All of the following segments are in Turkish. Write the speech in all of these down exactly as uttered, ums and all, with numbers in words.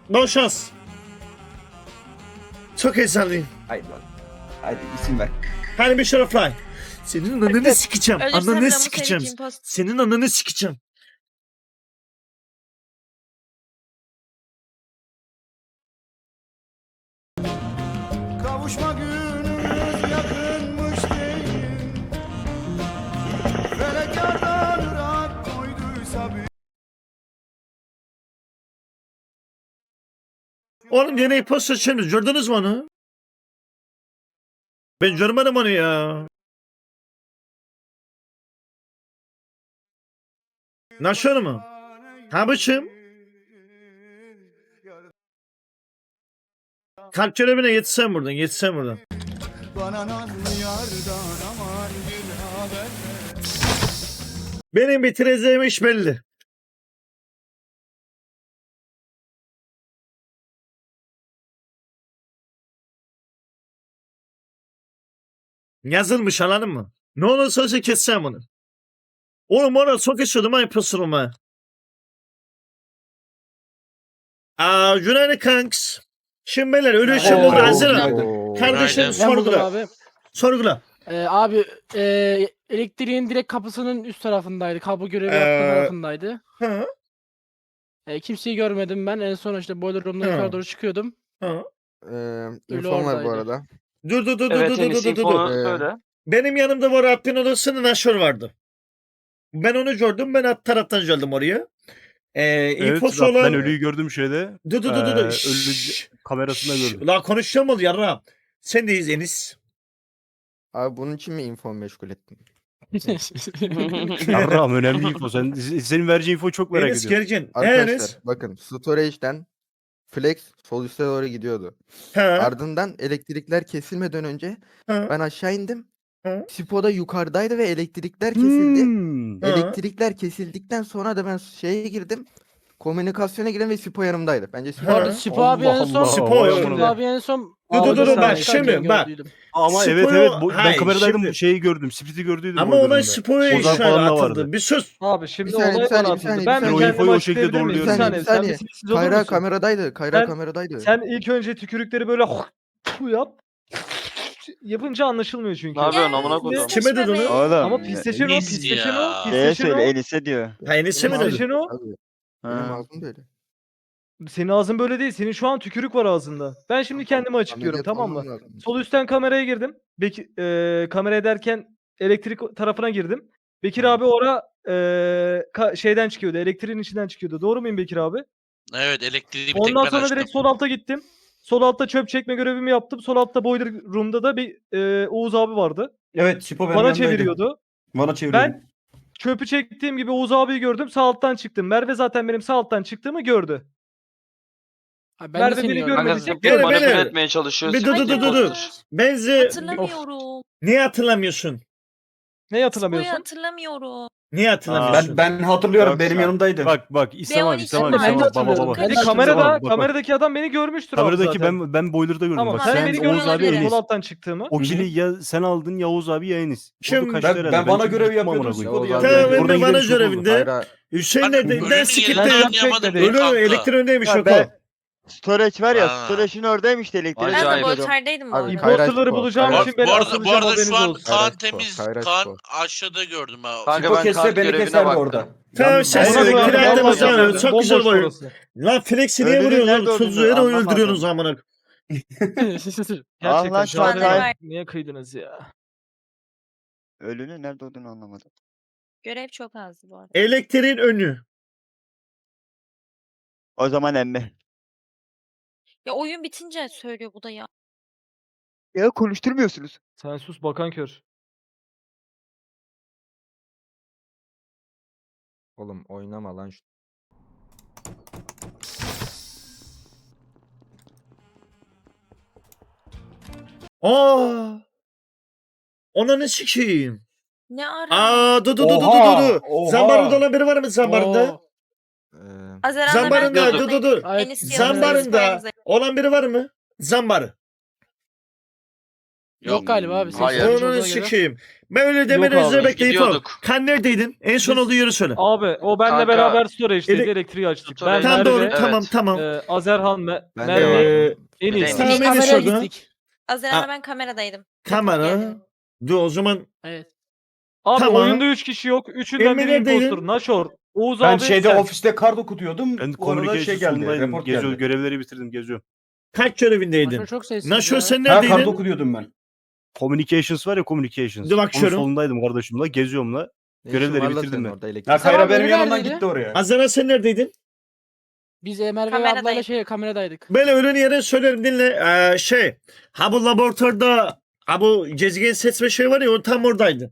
Bol şans. Çok heyecanlıyım. Haydi lan. Hadi isim ver. Hani bir şöyle fly. Senin ananı sikeceğim. Ölürsem Ananı Ramus sikeceğim. Eric imposter. Senin ananı sikeceğim. Kavuşma günümüz yakınmış değil. Felek yardan ırak koyduysa bir. Oğlum yine imposter çekmiş. Gördünüz mü onu? Ben görmedim onu ya. Nasıl mu? Ha biçim. Kalp görevine yetişsem buradan. Yetişsem buradan. Bana nazlı yardan aman bir haber ver. Benim bitireceğim iş belli. Yazılmış anladın mı? Ne olursa olsun keseceğim onu. Oğlum ona çok istiyordum ha imposter'ım ha. Aa, günaydın kanks. Şimdi beyler ölü işim Oo, oldu hazır mı? günaydın. Kardeşim Ben buldum sorgula. abi. Sorgula. Ee, abi e, elektriğin direkt kapısının üst tarafındaydı. Kablo görevi Ee, yaptığı tarafındaydı. Ha, E, kimseyi görmedim ben. En son işte boiler room'dan Hı. yukarı doğru çıkıyordum. ha. Ee, Ölü infom var bu oradaydı. arada. Dur dur dur dur Evet dur dur Enis dur dur. infonu Ee, söyle. Benim yanımda var Rabbin odasının aşır vardı. Ben onu gördüm. Ben alt taraftan geldim oraya. Ee, Evet, infosu bak olan... ben ölüyü gördüm şeyde. Dur dur dur dur. Ee, dur. ölü Şşş. kamerasında Şşş. gördüm. La konuşacağım ol yarra. Sen deyiz Enis. Abi bunun için mi info meşgul ettin? Yarrağım önemli info. Sen, senin vereceğin infoyu çok merak Enis ediyorum. Gergin. He Arkadaşlar Enis. bakın storage'den flex sol üste doğru gidiyordu. Ha. Ardından elektrikler kesilmeden önce Ha. ben aşağı indim. Ha. Sipo da yukarıdaydı ve elektrikler kesildi. Hmm. Ha. Elektrikler kesildikten sonra da ben şeye girdim. Komünikasyona girdim ve Sipo yanımdaydı. Bence Sipo Ha. Bu arada Sipo abi en son Allah, Sipo, vay Sipo amına. abi en son Dur, dur, dur, Ağzı bak, çıkarken şimdi, bak. gördüydüm. Ama Spo'yu- evet evet bu, ben Hayır, kameradaydım şimdi- şeyi gördüm. Split'i gördüydüm. Ama boiler olay room'da. spoya Ozan şöyle falan da atıldı. vardı. Bir söz. Abi şimdi Bir saniye, olay bir saniye, bana bir saniye, atıldı. bir Ben saniye. bir O infoyu kendimi o şekilde açıklayabilir miyim? Bir doğruluyorum. saniye. Bir Sen bir saniye. sessiz olur Kayra musun? kameradaydı. Kayra Sen- kameradaydı. Sen ilk önce tükürükleri böyle bu yap. Yapınca anlaşılmıyor çünkü. Ne yapıyorsun amına koyayım? Kime dedi onu? Oğlum. Ama pisleşen o, Enis pisleşen o, ya. Şeye pisleşen söyle o. Enis'e diyor. Ha Enis'e mi Benim dedi? Pisleşen o. Abi, benim Ha. ağzım böyle. Senin ağzın böyle değil. Senin şu an tükürük var ağzında. Ben şimdi kendimi açıklıyorum, Ameliyat tamam mı? olmam lazım. Sol üstten kameraya girdim. Beki, e, kamera ederken elektrik tarafına girdim. Bekir abi ora e, ka- şeyden çıkıyordu. Elektriğin içinden çıkıyordu. Doğru muyum Bekir abi? Evet elektriği bir tek Ondan ben sonra açtım. direkt sol alta gittim. Sol altta çöp çekme görevimi yaptım. Sol altta boiler room'da da bir e, Oğuz abi vardı. Evet Sipo benim Bana yanımdaydı. çeviriyordu. Bana çeviriyordu. Ben çöpü çektiğim gibi Oğuz abiyi gördüm. Sağ alttan çıktım. Merve zaten benim sağ alttan çıktığımı gördü. Abi ben de Merve seni beni gördüm. görmedi. Kanka Tek Gene manipüle beni- etmeye çalışıyor. Bir dur dur dur dur. dur. Hayır. Benzi Hatırlamıyorum. niye hatırlamıyorsun? Neyi Spoyu hatırlamıyorsun? hatırlamıyorum. Niye hatırlamıyorsun? Ben ben hatırlıyorum. Bak, benim bak, yanımdaydı. Bak bak İslam abi B on iki İslam abi Ben de İslam abi baba hatırlıyorum. baba. Ben de Hani kamerada, Bak, bak, bak. kameradaki adam beni görmüştür abi Kameradaki zaten. ben ben boiler'da gördüm Tamam, bak. sen, Sen beni Oğuz abi olabilir. Enis. Sol alttan çıktığımı. O kili ya sen aldın ya Oğuz abi ya Enis. Şimdi Orada kaçtı ben- herhalde. ben bana çünkü görev gittim amına yapıyordum, koyayım. Spo'da Oğuz yardım abi- Tamam ben Oradan de bana gidelim, çok görevinde. Kayra Hüseyin Bak, de ölünü ben sikipte. yerinden Ben anlayamadım çekmedim. Ölü kanka. elektriğindeymiş Ya yok ben- o. Storage var ya, Aa. storage'in oradaymış da elektriği. Ben de Acayip. boyutardaydım bu Abi, arada. Kayra Imposterları Spor, bulacağım Kayra için Bu ben arada, bu asılacağım, arada haberiniz şu an olsun. Kaan Kayra temiz. Spor, Kayra Kaan Spor. aşağıda gördüm ha. Kanka Sipo ben kesse kart beni görevine keserdi baktım. orada. Tamam Yan- sen Ona siz göre- elektriği Vallahi aldınız yapmadım. lan. Çok güzel Bomboş boyun. orası. Lan Flex'i niye Ölünün vuruyorsun nerede oğlum? Tuzu olduğunu yere anlamadım. öldürüyorsunuz amına. Gerçekten lan şu an Çağatay. niye- niye kıydınız ya? Ölünün nerede olduğunu anlamadım. Görev çok azdı bu arada. Elektriğin önü. O zaman emmi. Ya oyun bitince söylüyor bu da ya. Ya konuşturmuyorsunuz. Sen sus bakan kör. Oğlum oynama lan şu. Aa. Ona ne sikeyim? Ne ara? Aa dur dur dur dur Oha, dur dur. oha. Zambarında olan biri var mı zambarında? Oo. Ee, Azeran'la ben Zambarında gördüm. dur dur dur. Ay, Enis yanımızda, Zambarında yanımızda. olan biri var mı? Zambarı. Yok galiba abi. Hayır. seçilmiş Onu olduğuna göre. sikeyim. Ben öyle demeni abi, özür biz bekleyip gidiyorduk. Kan neredeydin? En son Biz- olduğu yeri söyle. Abi o benle Kanka, beraber storage'deydi. ele- Elektriği açtık. Ben Storage- Tam Merve, doğru Evet. tamam tamam. e, Azerhan, Me Ben de Merve, Ee, Enis. Enis. tamam Biz Enis kameraya orada. gittik. Azerhan'la ben kameradaydım. Kamera. Yani. Dur o zaman Evet. Abi Tamam. oyunda üç kişi yok. Üçünden Emre biri neredeydin? impostor. Naşor, Oğuz Ben abi, şeyde sen. ofiste kart okutuyordum. Ben Bu arada communication şey geldi. sonundaydım. Report Geziyor, geldi. görevleri bitirdim geziyorum. kaç görevindeydin? Naşor çok sessiz Naşor ya. sen Ha kart neredeydin? okutuyordum ben. Communications var ya communications. Dur bakıyorum. Onun solundaydım kardeşimle geziyorum la. Ne işin Görevleri var lan bitirdim senin ben. orada elektrik? Ya Kayra Tamam, benim biri yanımdan neredeydi? gitti oraya. Azera sen neredeydin? Biz e, Merve ve Kameradayım. ablayla şey kameradaydık. Ben öğlen yere söylerim dinle. Ee, şey. Ha bu laboratuvarda ha bu gezegen seçme şey var ya o tam oradaydı.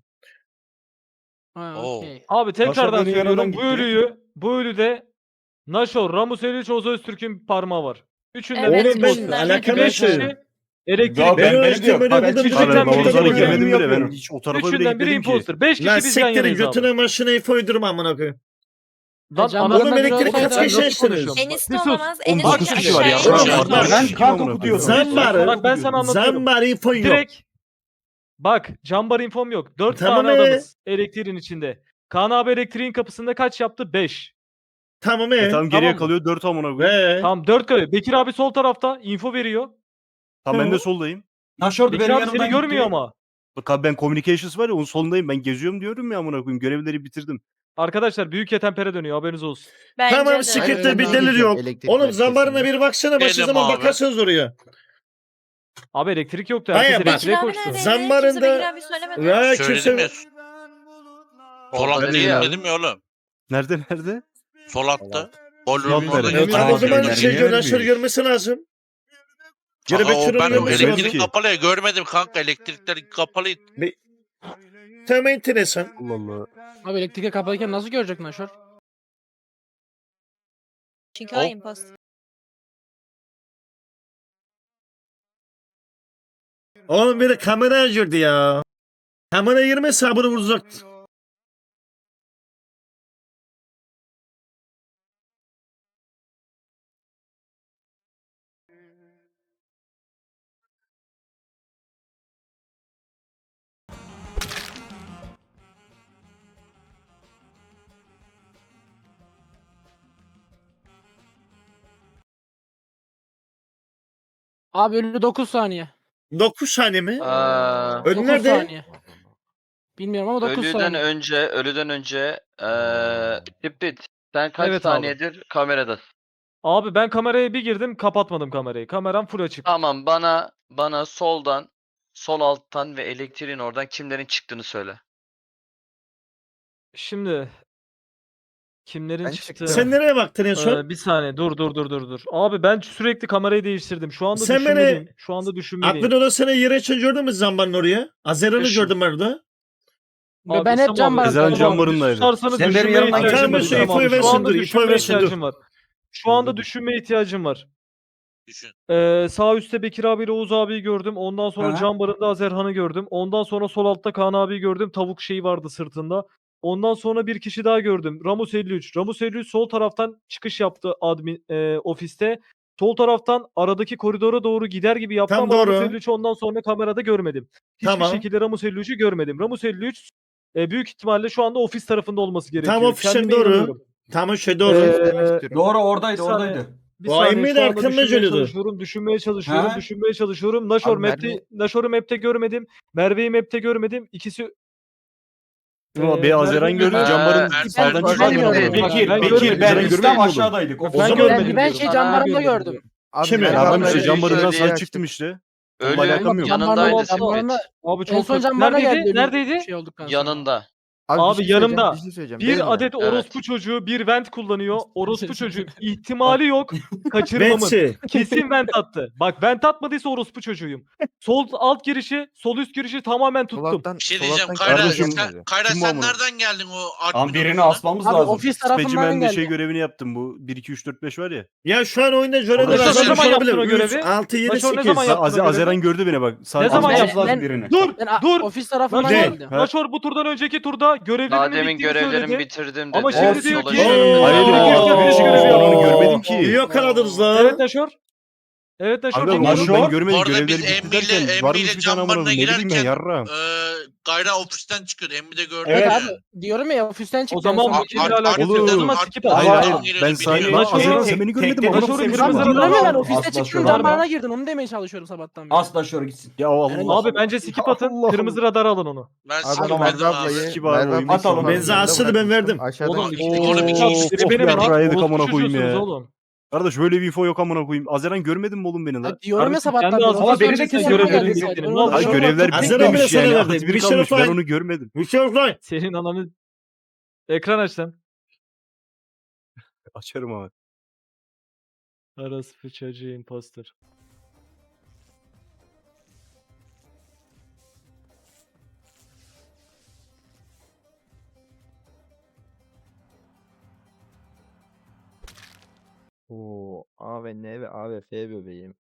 Ha, Oo. okey. Abi tekrardan benim yanımdan söylüyorum. Bu gitti. ölüyü, bu ölüde Naşor, Ramus Eliç, Oğuz Öztürk'ün parmağı var. Üçünden Evet, biri Oğlum ben impostor. üçünden alakalı Çünkü beş şey. kişi elektrik. Ya Ben ben beni ölçtüm, diyor. ben Bak, ödedim, hiç direkt üçünden ben biri ortadan görmedim geldim bile. bile. Ben Ben hiç o tarafa bile Üçünden biri gitmedim ki. impostor. Beş kişi Lan biz yan siktirin yanayız abi. götüne maşına ife uydurma amına koyayım. Lan Can anladın Oğlum mı? elektrik Sen kaç nasıl kişi açtınız? konuşuyorsun? Enis de Bir sus. olamaz. on Enis dokuz de kişi var ya. aşağıya Oğlum, iniyor. bak, Ben kart okutuyordum. Zambar. Bak ben sana anlatıyorum. Zambar info yok. Direkt bak cambar infom yok. Dört Tamam tane ee? adamız elektriğin içinde. Kaan abi elektriğin kapısında kaç yaptı? Beş. Tamam E, e. tamam geriye Tamam mı? kalıyor dört amına koyayım. Ee, Tamam dört kalıyor. Bekir abi sol tarafta info veriyor. Tamam ben de soldayım. Naşor Bekir benim abi yanımdan seni gitti. görmüyor ama. Bak abi ben communications var ya onun solundayım. Ben geziyorum diyorum ya amına koyayım. Görevleri bitirdim. Arkadaşlar büyük yetempere dönüyor haberiniz olsun. Bence tamam de. siktir Ben bir de delir diyeceğim, yok. elektrik Oğlum merkezinde. zambarına bir baksana başka Benim zaman abi. bakarsınız oraya. Abi elektrik yoktu. Hayır, Herkes bak. elektriğe Bekir abi koştu. neredeydi? Zambarında- Kimse Bekir abi söylemedi. Ya Söyledim ya. kimse... Sol diye ya. dedim ya oğlum. Nerede nerede? Sol altta. Bol Yok, orada evet. Evet, geçiyor. o zaman Tamam, şey niye gör, vermiyor? görmesi lazım. Geri Kanka, o Bekir'in ben görmesi elektrik- elektrik lazım. kapalı ya görmedim kanka elektrikler kapalıydı. Tamam enteresan. Allah Allah. Abi elektrike kapalıyken nasıl görecek Naşor? Çünkü Hop. o imposter. Oğlum biri kamera girdi ya. Kamera girmese sabunu vuracaktı. Abi ölü dokuz saniye. dokuz saniye mi? Aa, Ölü dokuz nerede? saniye. Bilmiyorum ama dokuz ölüden saniye. önce, ölüden önce eee Tipit, sen kaç Evet abi. saniyedir kameradasın? Abi ben kameraya bir girdim kapatmadım kamerayı. Kameram full açık. Tamam bana bana soldan, sol alttan ve elektriğin oradan kimlerin çıktığını söyle. Şimdi kimlerin Ben çıktı? çıktım. Sen nereye baktın en son? Ee, bir saniye dur dur dur dur dur. Abi ben sürekli kamerayı değiştirdim. Şu anda Sen beni- düşünmeliyim. Şu anda düşünmeliyim. Aklın odasına yere için gördün mü zambarın oraya? Azera'nı Düşün. gördüm orada. Ve Abi, ben hep tamam cam abi, barındaydım. Ezel tamam, cambarındaydı. susarsanız Sen benim düşünmeye yanımdan ihtiyacım var. geçemedin. Tamam, İfo'yu şu versin, anda dur, İfo'yu düşünmeye versin, dur. ihtiyacım var. Şu anda düşünmeye ihtiyacım var. Düşün. Ee, sağ üstte Bekir abiyle Oğuz abiyi gördüm. Ondan sonra Aha. cam barında Azerhan'ı gördüm. Ondan sonra sol altta Kaan abiyi gördüm. Tavuk şeyi vardı sırtında. Ondan sonra bir kişi daha gördüm. Ramus elli üç. Ramus elli üç sol taraftan çıkış yaptı admin e, ofiste. Sol taraftan aradaki koridora doğru gider gibi yaptı Tam ama Ramus doğru. elli üçü ondan sonra kamerada görmedim. Hiçbir Tamam. şekilde Ramus elli üçü görmedim. Ramus elli üç e, büyük ihtimalle şu anda ofis tarafında olması gerekiyor. Tam ofisin Kendime doğru. inanıyorum. Tamam şey doğru. Ee, Demek istiyorum. Doğru oradaydı Bir saniye. oradaydı. Bir O saniye Emre şu de anda arkamda düşünmeye geliyordu. çalışıyorum, düşünmeye çalışıyorum, Ha? düşünmeye çalışıyorum. Naşor Abi map'te, Merve- Naşor'u map'te görmedim. Merve'yi map'te görmedim. İkisi Ama Ee, bir Azeren Merve- gördüm Ee, cambarın ben- sağdan ben çıkan görmedim. gördüm. Bekir, Ben Bekir, görmedim. ben Ben İslam görmedim aşağıdaydık. O Ofiste zaman- görmedim. Ben, ben şey Sana cam barında görmedim. gördüm. Abi Kimi? Merve Ya ben ablayla işte Ölüyü cambarından şeye sağ açtık. çıktım işte. Ölü alakam yok. yanındaydı Cam barında- Tipit. Abi çok En son kötü. cam barına Neredeydi? geldi. Neredeydi? Şey olduktan sonra. Yanında. Abi, Abi bir şey yanımda söyleyeceğim, bir şey söyleyeceğim. Benim Bir de. adet Evet. orospu çocuğu bir vent kullanıyor. Orospu çocuğu ihtimali yok kaçırmamın. Bensi. Kesin vent attı. Bak vent atmadıysa orospu çocuğuyum. Sol alt girişi, sol üst girişi tamamen tuttum. Solaktan, Bir şey diyeceğim solaktan Kayra, Kardeşim, sen, Kayra kim bu sen amına? nereden geldin o Ama admin birini odasına? asmamız Abi lazım. ofis tarafından Specimen'de geldi. şey görevini yaptım bu. bir iki üç dört beş var ya. Ya şu an oyunda jöleler Arkadaşlar, azalmış ne zaman yaptın o olabilir. görevi? üç, altı, yedi, Başar ne sekiz. zaman yaptın? Az o görevi? Azeren gördü beni bak. Sağ Ne zaman sağ- yaptın? Asmamız lazım Ben- birini. Dur, Ben a- dur. ofis tarafından Naşor, geldi. Ha. Naşor bu turdan önceki turda görevlerinin Daha demin bittiğini görevlerimi söyledi. bitirdim dedi. Ama şimdi Olsun, diyor Sola ki... yürüdüm. Hayır, Aa, bir kez görevi Oo. yaptım, onu görmedim ki. İyi yakaladınız Evet lan. Naşor. Evet Naşor Abi dinliyorum. onu Naşor? ben Bu görmedim. arada Görevleri biz bitti Emmi ile derken var Emmi mı ile bir tane amına Canbar'ına koyayım? Ne bileyim ben girerken yarra. eee Gayra ofisten çıkıyordu. Emmi de gördü. Evet. Evet abi diyorum ya ofisten çıktı. O zaman en son. bu konuyla Ar- alakası yok. Olur. O zaman skip at. Hayır Ama- hayır Aa, ben biliyorum. saydım. Naşor- Azeren sen beni görmedin mi? Tekte- Amına Naşor'u koyayım kırmızı sana. radar- Diyorum ya ben As- ofiste asla çıktım şöyle Canbar'a olmaz. girdim onu demeye çalışıyorum sabahtan beri. Asla şöyle gitsin. Ya Allah. Abi bence skip atın. Allah Kırmızı radara alın onu. Ben Abi ben sikmedim Merve abi. ablayı, Sikip abi, Merve oyun ablayı atalım. sokak Benzi yanında asılı ben bırakmıştım. verdim. Aşağıdan Oğlum işte onu bir Of, çekti. biri benim of, yarrağıydık orospu amına koyayım çocuğusunuz ya. oğlum. Kardeş böyle bir info yok amına koyayım. Azeren görmedin mi oğlum beni Ya lan? diyorum ya Kardeşim, sabahtan kendi beri. ağzına ofisten beni de çıktım, kesiyor, yanıma görevlerin geldi bittiğini. zaten. Ne Onu oldu? Ay da- görevler Azeren bitmemiş bile sana yani. verdi. Hatibini Bir şey kalmış. yok Ben lan. onu görmedim. Bir şey yok lan. Senin ananı... Ekran aç sen. Açarım abi. Orospu çocuğu imposter. Oo, A ve N ve A ve F bebeğim.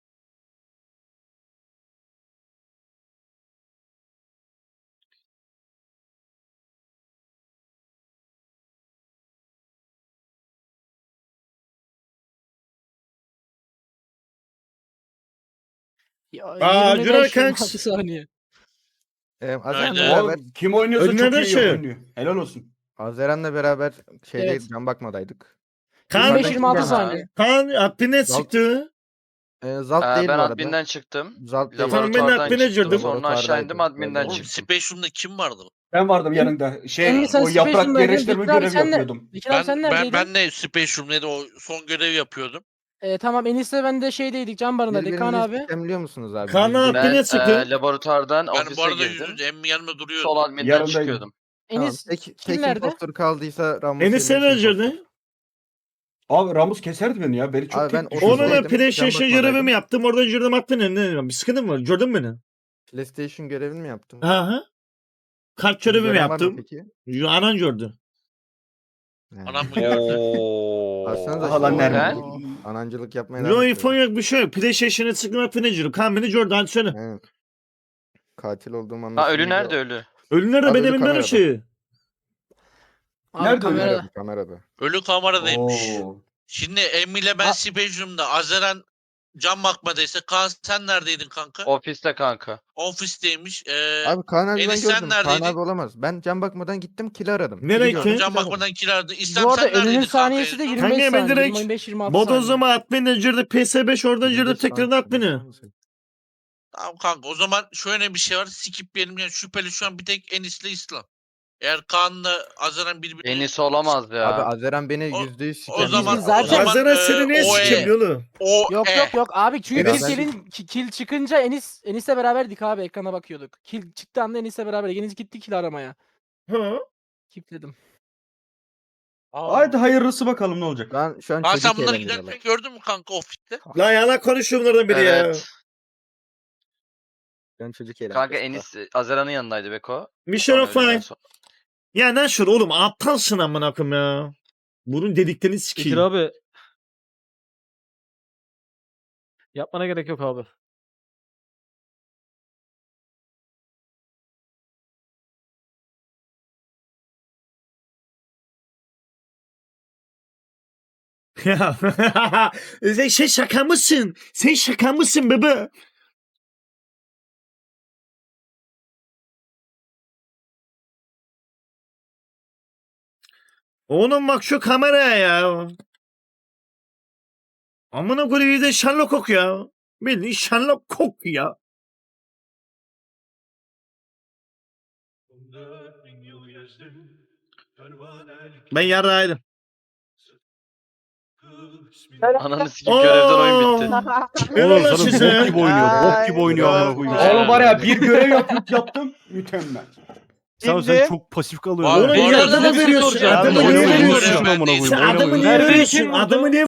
Ya, Aa, yirmi beş, Cüneyt yirmi Kanks. altı saniye. Ee, Azeren'le Öyle. beraber, O kim oynuyorsa Önlerden çok iyi şey. oynuyor. Helal olsun. Azeren'le beraber şeyde Evet. can bakmadaydık. Kaan, Yukarıdan yirmi beş yirmi altı kim geldi? saniye. Kaan admin'e Zal- çıktı. Ee, Zalt Ee, değil ben bu arada. adminden çıktım. Zalt değil. Tamam, ben Laboratuvardan admine çıktım. girdim. Sonra aşağı indim adminden Oğlum çıktım. Space'umda kim vardı? Ben vardım yanında. Şey Emmi sen o yaprak Space'undaydın, yerleştirme Dikkat abi görevi sen de- yapıyordum. Dikkat abi sen Ben, ben, neredeydin? ben de Space'umdaydı. O son görev yapıyordum. Ee, tamam Enis'le ben de şeydeydik Canbar'ındaydık Kaan abi. Sistemliyor musunuz abi? Kaan Yüzde- abi- Ben Admin'e çıktı. e, laboratuvardan Ben bu ofise arada girdim. yüzünüz Emmi yanımda duruyordu. Sol adminden Yanındaydım. çıkıyordum. Tamam, Enis tek, kim tek nerede? impostor kaldıysa Ramos. Enis sen Elif impostor. öldürdü. Abi Ramus keserdi beni ya. Beni çok Abi ben tek o- düşürdü. Onu ben Ofisteydim, PlayStation can bakmadaydım. görevimi yaptım. Oradan girdim admin'e. Ne? Bir sıkıntı mı var? Gördün beni. PlayStation görevini mi yaptın? Aha. Kart görevimi Gören var mı yaptım. peki? Anan gördü. Yani. Anam mı gördü? Baksanıza Aha lan şimdi nerede? oyun- Anancılık yapmaya Yo devam info ediyor. yok bir şey yok. PlayStation'a çıktım admin'e girdim. Kaan beni gördü. Hadi söyle. Evet. Katil olduğum Ha anlaşılıyor. ölü nerede ölü? Ölüler de Abi benim ölü evinden kamerada. şey. Abi Nerede kamerada. Kamerada. Kamerada. Ölü kameradaymış. Oo. Şimdi Emmi ile ben A- Space'umda. Azeren can bakmadıysa. Kaan sen neredeydin kanka? Ofiste kanka. Ofisteymiş. Ee, Abi Kaan abi ben Enis, sen gördüm. Kaan neredeydin? abi olamaz. Ben can bakmadan gittim kill aradım. Nereye Kill'i gördüm, ki? can kill aradım. bakmadan kirardı. İslam Bu arada sen neredeydin ölünün kanka? saniyesi de en son? yirmi beş Kanka ben saniye. direkt yirmi beş yirmi altı saniye. Bodozlama admin'e girdi. P S beş oradan girdi. Yirmi beş Tekrar saniye. admin'e. Tamam kanka o zaman şöyle bir şey var. Skipleyelim yani şüpheli şu an bir tek Enis'le İslam. Eğer Kaan'la Azeren birbirini... Enis olamaz ya. Abi Azeren beni O- yüzde yüz o sikemiyor. zaman- Biz zaten- o zaman, Azeren e, seni niye o e. sikeyim oğlum? O Yok e. yok yok abi çünkü Evet. kill, gelin, ki- kill çıkınca Enis Enis'le beraberdik abi ekrana bakıyorduk. Kill çıktı anda Enis'le beraber. Enis gitti kill aramaya. Ha? Kilitledim. Haydi hayırlısı bakalım ne olacak. Ben şu an Kaan çocuk sen bunları eğlendiriyorlar. giderken gördün mü kanka ofiste? Lan yalan konuşuyor bunlardan biri ya. Evet. Ben çocuk eğlendiriyorlar. Kanka Enis e, Azeran'ın yanındaydı Beko. Mission Sonra of öldükten Fine. sonra- Ya Naşır oğlum aptalsın amına koyayım ya. Bunun dediklerini Bitir sikeyim. abi. Yapmana gerek yok abi. Ya sen şey şaka mısın? Sen şaka mısın bebe? Oğlum bak şu kameraya ya. Amına koyayım bir de Sherlock Holmes ya. Bildiğin Sherlock Holmes ya. Ben yarrağıydım. Ananı sikeyim görevden oyun bitti. Helal Oğlum lan sana size. bok gibi oynuyor. Bok gibi oynuyor amına koyayım. Ay. Oğlum var ya bir görev yapıp yaptım. Mükemmel. Sen, sen çok pasif kalıyorsun. Var, Oğlum bu niye arada adamı bir şey veriyorsun? soracağım. Adamı Ben niye oynamayı veriyorsun? unutmuşum amına koyayım. Sen adamı Oynamayı niye Nerede veriyorsun? kim vurdu? Adamı niye